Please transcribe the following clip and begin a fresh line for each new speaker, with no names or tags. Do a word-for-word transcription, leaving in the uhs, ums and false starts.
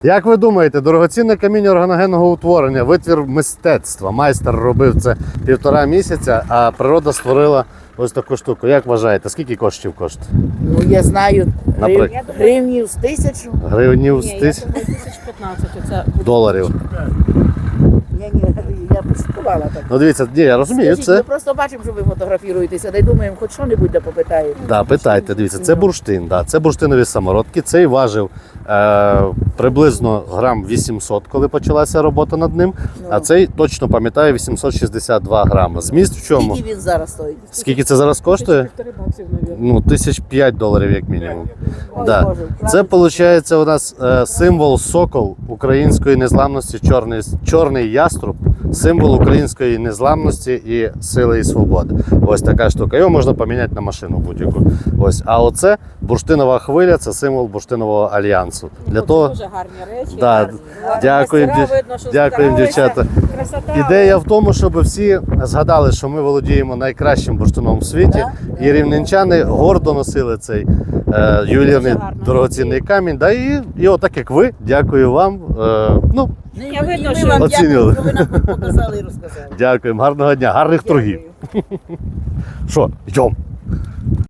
Як ви думаєте, дорогоцінне каміння органогенного утворення, витвір мистецтва, майстер робив це півтора місяця, а природа створила ось таку штуку. Як вважаєте, скільки коштів коштує?
Ну, я знаю, грив...
Наприклад?
гривнів з тисячу.
Гривнів з
Ні, я
тисяч
думаю, тисяч п'ятнадцять оце буде.
доларів.
Я, ні, я пошукувала так.
Ну дивіться, ні, я розумію,
Скажіть,
це...
Ми просто бачимо, що ви фотографіруєтеся, дай думаємо, хоч що-небудь да попитаємо.
Да, питайте, дивіться, це бурштин, да, це бурштинові самородки. Цей важив е, приблизно грам вісімсот, коли почалася робота над ним, а цей, точно пам'ятаю, вісімсот шістдесят два грами. Зміст в чому?
Скільки він зараз стоїть?
Скільки це зараз коштує?
Півтори баксів, мабуть.
Ну, тисяч п'ять доларів як мінімум.
Ой,
Да.
Боже,
Це виходить у нас е, символ сокол української незламності, чорний, чорний яструб, символ української незламності і сили і свободи. Ось така штука. Його можна поміняти на машину будь-яку. Ось. А оце бурштинова хвиля, це символ бурштинового альянсу. Для
Ну,
того...
Це дуже гарні речі.
Да,
гарні.
дякуємо,
Мастера,
дів-
видно, що
дякуємо,
старалися.
дівчата.
Красота.
Ідея в тому, щоб всі згадали, що ми володіємо найкращим бурштином в світі,
Да,
і рівненчани гордо носили цей е, ювелірний
Дуже гарно.
дорогоцінний камінь. Да, і, і отак як ви, дякую вам. Е, ну,
Ну,
Я видно,
і ми
що
вам
оцінювали.
дякуємо, що ви нам показали і розказали.
дякуємо, гарного дня, гарних торгів.
Дякую.
Що, йдемо.